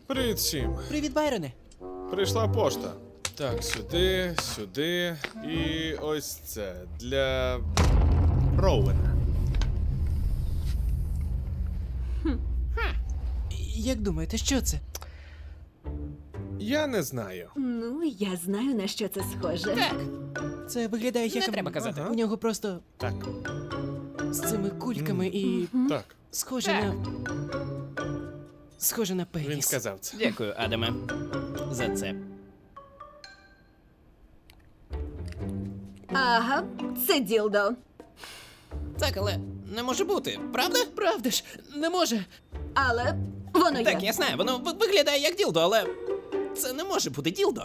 Привіт всім. Привіт, Байроне. Прийшла пошта. Так, сюди, сюди і ось це для Роуена. Як думаєте, що це? Я не знаю. Ну, я знаю, на що це схоже. Так, Це виглядає як... не треба казати. У нього просто Так, з цими кульками і так. схоже Так. на... Схоже на пеніс. Він сказав це. Дякую, Адаме, за це. Ага, це ділдо. Так, але не може бути, правда? Правда ж, не може. Але воно Так, є. я знаю, воно виглядає як ділдо, але це не може бути ділдо.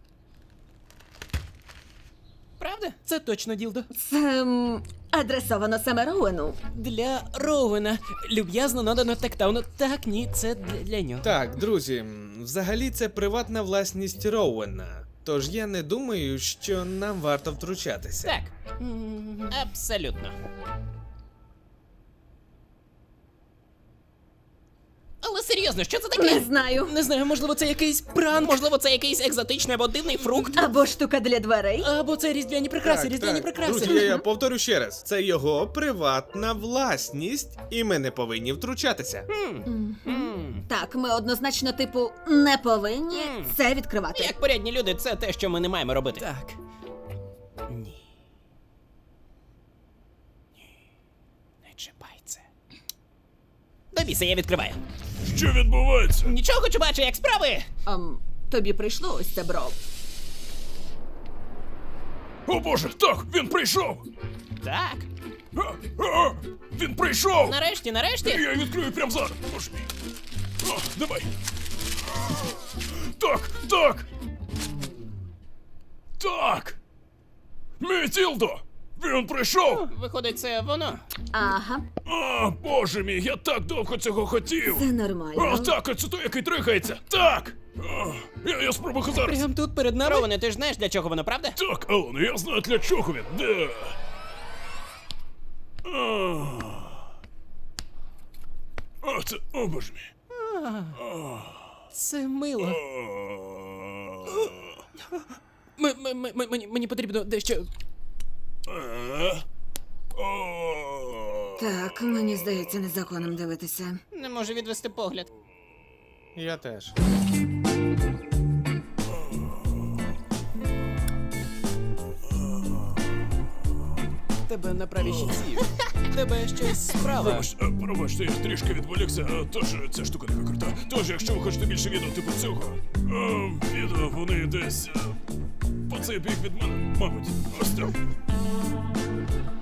Правда? Це точно ділдо. Це адресовано саме Роуену. Для Роуена. Люб'язно надано тактауну. Так, ні, це для нього. Так, друзі, взагалі це приватна власність Роуена. Тож я не думаю, що нам варто втручатися. Так, абсолютно. Але серйозно, що це Не таке? знаю. Не знаю, можливо, це якийсь пранк. Можливо, це якийсь екзотичний або дивний фрукт? Або штука для дверей. Або це різдвяні прикраси, різдвяні прикраси. Друзі, я повторю ще раз. Це його приватна власність, і ми не повинні втручатися. Так, ми однозначно, типу, не повинні це відкривати. Як порядні люди, це те, що ми не маємо робити. Так. Ні. Не чіпай це. До біса, я відкриваю. Що відбувається? Нічого, хочу бачити, як справи. Тобі прийшло ось це, бро. О боже, так, він прийшов! Так, Він прийшов! нарешті. Я відкрию прямо зараз. Боже мій. Давай. Так, так! Так! Мій Тілдо! Він прийшов! Виходить, це воно. Ага, Боже мій, я так довго цього хотів! це нормально. Так, оце той, який трихається! Так! Я спробую зараз! Прям тут перед нами. Роване, ти ж знаєш, для чого воно, правда? Так, Алан, я знаю, для чого він. Де? Це, о боже мій. Це мило. Мені потрібно дещо. Так, мені здається незаконним дивитися. Не можу відвести погляд. Я теж. Тебе на правій щиці. Тебе щось справа. Пробачте, я трішки відволікся, тож ця штука така крута. Тож, якщо ви хочете більше відео типу цього, відео вони десь по цей бік від мене, мабуть. Ось так.